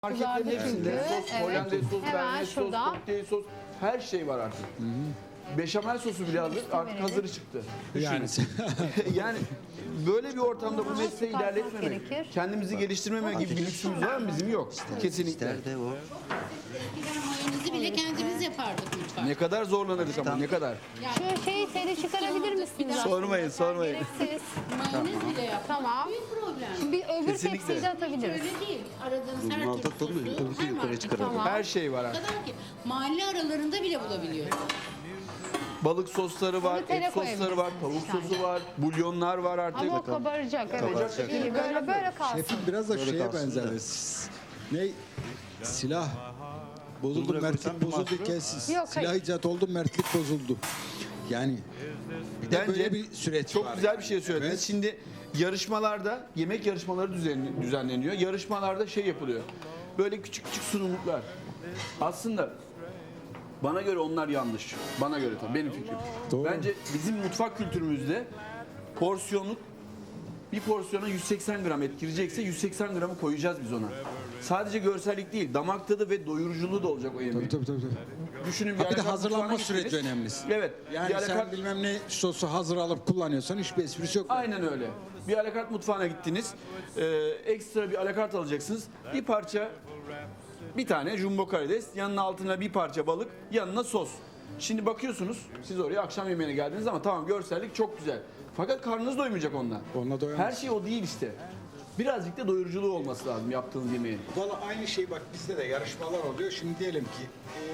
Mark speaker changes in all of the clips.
Speaker 1: Marketlerin hepsinde sos, Hollandaise sos, bearnaise sos,
Speaker 2: şurada.
Speaker 1: kokteyl sos, her şey var artık. Beşamel sosu bile hazır, artık hazırı çıktı.
Speaker 3: Yani
Speaker 1: Yani böyle bir ortamda bu mesleği
Speaker 2: çıkartmak
Speaker 1: ilerletmemek,
Speaker 2: gerekir.
Speaker 1: kendimizi geliştirmeme gibi bir lüksümüz var mı? Bizim yok. Kesinlikle.
Speaker 4: İster de o.
Speaker 5: Mayonezi bile kendimiz yapardık mutfakta.
Speaker 1: Ne kadar zorlanırız ama ne kadar.
Speaker 2: Şu şeyi seni çıkarabilir misiniz?
Speaker 1: Sormayın, sormayın.
Speaker 2: Gereksiz.
Speaker 5: Mayonez bile yapardık.
Speaker 2: Tamama.
Speaker 5: Büyük problem.
Speaker 2: Bir öbür
Speaker 1: Kesinlikle.
Speaker 2: tepsiyi de atabiliriz.
Speaker 5: Öyle değil. Aradığınız her
Speaker 4: Altı
Speaker 5: türlü
Speaker 4: tutulmuyor.
Speaker 5: sosu
Speaker 4: Tabii ki
Speaker 5: her
Speaker 4: yukarı
Speaker 5: market
Speaker 4: çıkaralım.
Speaker 2: Tamam.
Speaker 1: Her şey var
Speaker 5: o
Speaker 1: artık.
Speaker 5: kadar ki mahalle aralarında bile bulabiliyoruz.
Speaker 1: Balık sosları var,
Speaker 2: Bunu tele
Speaker 1: et sosları var, tavuk sosu var, bulyonlar var artık.
Speaker 2: Ama o kabaracak. Evet. İyi, böyle kalsın.
Speaker 3: şefim biraz da şeye benzer. Ne? Silah bozuldu, mertlik bozuldu, kes.
Speaker 2: Yok,
Speaker 3: Silah
Speaker 2: hayır.
Speaker 3: icat oldu, mertlik bozuldu. Yani bir de
Speaker 1: Bence
Speaker 3: böyle bir süreç
Speaker 1: çok
Speaker 3: var.
Speaker 1: güzel bir şey söylediniz.
Speaker 3: Evet.
Speaker 1: Şimdi yarışmalarda, yemek yarışmaları düzenleniyor. Yarışmalarda şey yapılıyor. Böyle küçük küçük sunumluklar. Aslında bana göre onlar yanlış. Bana göre tabii, benim fikrim.
Speaker 3: Doğru.
Speaker 1: Bence bizim mutfak kültürümüzde porsiyonluk, bir porsiyona 180 gram et girecekse 180 gramı koyacağız biz ona. Sadece görsellik değil, damak tadı ve doyuruculuğu da olacak o yemeğin.
Speaker 3: Tabii.
Speaker 1: Düşünün
Speaker 3: Bir de
Speaker 1: alakart
Speaker 3: hazırlanma
Speaker 1: mutfağına
Speaker 3: süreci
Speaker 1: gittiniz.
Speaker 3: önemli.
Speaker 1: Evet.
Speaker 3: Yani
Speaker 1: bir alakart-
Speaker 3: sen bilmem ne sosu hazır alıp kullanıyorsan hiçbir esprisi yok.
Speaker 1: Aynen öyle. Bir alakart mutfağına gittiniz. Ekstra bir alakart alacaksınız. Bir parça, bir tane jumbo karides, yanına altına bir parça balık, yanına sos. Şimdi bakıyorsunuz, siz oraya akşam yemeğine geldiniz ama tamam, görsellik çok güzel. Fakat karnınız doymayacak onunla.
Speaker 3: Onunla doyamaz.
Speaker 1: Her şey o değil işte. Birazcık da doyuruculuğu olması lazım yaptığınız yemeğin.
Speaker 3: Valla aynı şey bak bizde de yarışmalar oluyor. Şimdi diyelim ki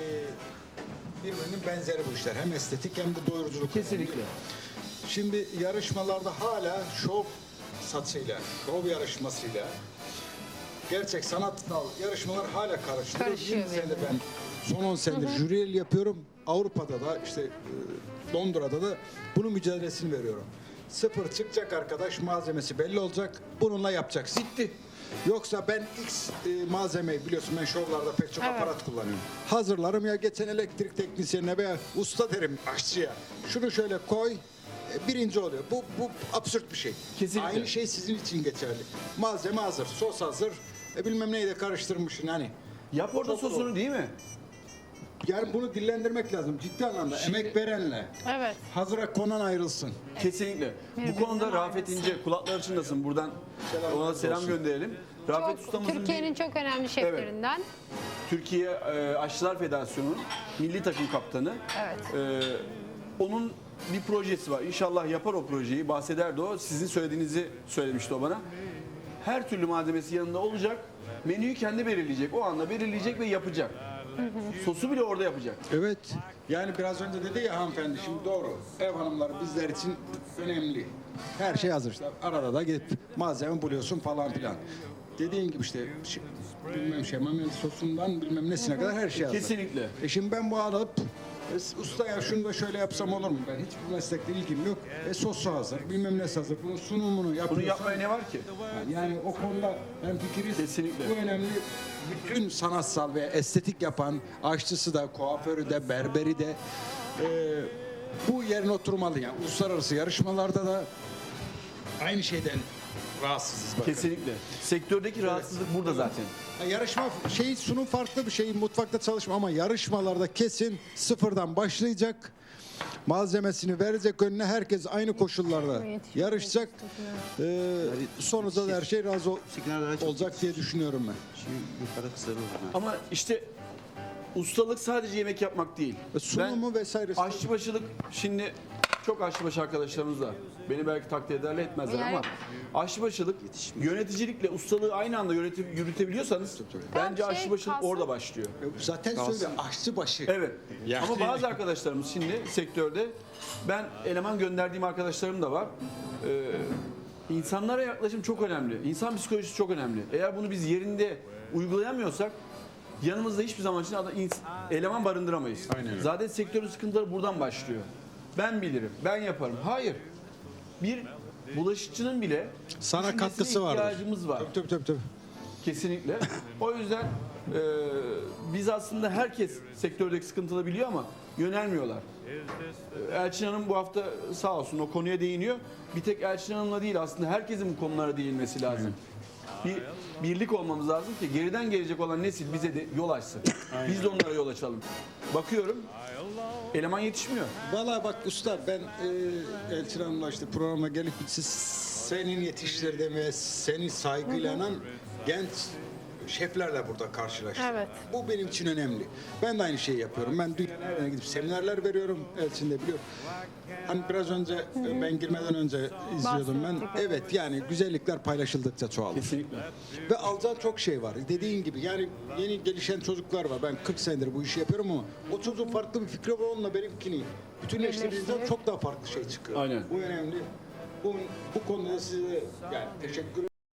Speaker 3: birbirinin benzeri bu işler. Hem estetik hem de doyuruculuk.
Speaker 1: Kesinlikle.
Speaker 3: Şimdi yarışmalarda hala şov satışıyla, şov yarışmasıyla gerçek sanatsal yarışmalar hala karıştırıyor.
Speaker 2: Karışıyor
Speaker 3: 20 senedir ben son 10 senedir jüriyel yapıyorum. Avrupa'da da işte Londra'da da bunun mücadelesini veriyorum. Sıfır çıkacak arkadaş, malzemesi belli olacak. Bununla yapacaksın.
Speaker 1: Bitti.
Speaker 3: Yoksa ben X malzemeyi biliyorsun, ben şovlarda pek çok aparat kullanıyorum. Hazırlarım ya, geçen elektrik teknisyenine veya usta derim aşçıya. Şunu şöyle koy, birinci oluyor. Bu absürt bir şey.
Speaker 1: Kesinlikle.
Speaker 3: Aynı şey sizin için geçerli. Malzeme hazır, sos hazır. Bilmem neyi de karıştırmışsın hani.
Speaker 1: Yap orada
Speaker 3: Çok
Speaker 1: sosunu
Speaker 3: doğru.
Speaker 1: değil mi?
Speaker 3: Yani bunu dillendirmek lazım ciddi anlamda. Emek verenle
Speaker 2: Evet.
Speaker 3: hazıra konan ayrılsın.
Speaker 1: Kesinlikle. Bu konuda Rafet İnce, kulakları çınlasın, buradan ona selam gönderelim. Rafet ustamızın
Speaker 2: Türkiye'nin çok önemli şeflerinden.
Speaker 1: Türkiye Aşçılar Federasyonu'nun milli takım kaptanı.
Speaker 2: Evet.
Speaker 1: Onun bir projesi var. İnşallah yapar o projeyi. Bahsederdi o. Sizin söylediğinizi söylemişti o bana. Her türlü malzemesi yanında olacak. Menüyü kendi belirleyecek. O anda belirleyecek ve yapacak. Sosu bile orada yapacak.
Speaker 3: Evet. Yani biraz önce dedi ya hanımefendi, şimdi doğru. Ev hanımları bizler için önemli. Her şey hazır işte. Arada da gidip malzeme buluyorsun falan filan. Dediğin gibi işte bilmem şemamel sosundan bilmem nesine kadar her şey hazır.
Speaker 1: Kesinlikle.
Speaker 3: Şimdi ben bu alıp usta ya şunu da şöyle yapsam olur mu? Ben hiçbir meslekle ilgim yok. Sosu hazır, bilmem nesi hazır. Bunun sunumunu yapıyorsan.
Speaker 1: Bunu yapmaya ne var ki?
Speaker 3: Yani o konuda hemfikiriz.
Speaker 1: Kesinlikle.
Speaker 3: Bu önemli. Bütün sanatsal ve estetik yapan aşçısı da, kuaförü de, berberi de bu yerine oturmalı. Yani uluslararası yarışmalarda da aynı şeyden rahatsızız. Bakın.
Speaker 1: Kesinlikle. Sektördeki rahatsızlık burada zaten.
Speaker 3: Yarışma sunum farklı bir şey, mutfakta çalışma, ama yarışmalarda kesin sıfırdan başlayacak. Malzemesini verecek önüne, herkes aynı koşullarda yarışacak. Sonuçta da her şey razı olacak diye düşünüyorum ben.
Speaker 4: Şimdi yukarı kısır olur.
Speaker 1: Ama işte ustalık sadece yemek yapmak değil.
Speaker 3: Sunumu vesairesi.
Speaker 1: Aşçıbaşılık, şimdi çok aşçıbaşı arkadaşlarımız var. Beni belki takdir ederler etmezler ama aşçıbaşılık, yöneticilikle ustalığı aynı anda yürütebiliyorsanız bence
Speaker 2: Şey
Speaker 1: aşçıbaşılık
Speaker 2: kalsın.
Speaker 1: orada başlıyor.
Speaker 3: Zaten söyle aşçı başı.
Speaker 1: Evet. Ama bazı arkadaşlarımız şimdi sektörde, ben eleman gönderdiğim arkadaşlarım da var. İnsanlara yaklaşım çok önemli. İnsan psikolojisi çok önemli. Eğer bunu biz yerinde uygulayamıyorsak yanımızda hiçbir zaman için eleman barındıramayız.
Speaker 3: Aynen öyle.
Speaker 1: Zaten sektörün sıkıntıları buradan başlıyor. Ben bilirim, ben yaparım. Hayır. Bir bulaşıkçının bile
Speaker 3: Sana
Speaker 1: düşünmesine
Speaker 3: katkısı vardır.
Speaker 1: ihtiyacımız var.
Speaker 3: Tabii.
Speaker 1: Kesinlikle. O yüzden biz aslında, herkes sektördeki sıkıntıları biliyor ama yönelmiyorlar. Elçin Hanım bu hafta sağ olsun o konuya değiniyor. Bir tek Elçin Hanım'la değil, aslında herkesin bu konulara değinmesi lazım. Bir birlik olmamız lazım ki geriden gelecek olan nesil bize de yol açsın. Biz de onlara yol açalım. Bakıyorum eleman yetişmiyor.
Speaker 3: Valla bak usta ben Elçin Hanım'la işte programa gelip senin yetiştirdiğin seni saygıyla genç şeflerle burada karşılaştım.
Speaker 2: Evet.
Speaker 3: Bu benim için önemli. Ben de aynı şeyi yapıyorum. Ben dünyalara gidip seminerler veriyorum. Elçin de biliyor. Hani biraz önce ben girmeden önce izliyordum ben.
Speaker 2: Bahsettik,
Speaker 3: Evet yani güzellikler paylaşıldıkça çoğalır.
Speaker 1: Kesinlikle.
Speaker 3: Ve alacağın çok şey var. Dediğin gibi yani yeni gelişen çocuklar var. Ben 40 senedir bu işi yapıyorum ama o çocuğun farklı bir fikri var onunla benimkini bütünleştirdiğinizde çok daha farklı şey çıkıyor.
Speaker 1: Aynen.
Speaker 3: Bu önemli. Bu konuda size yani teşekkür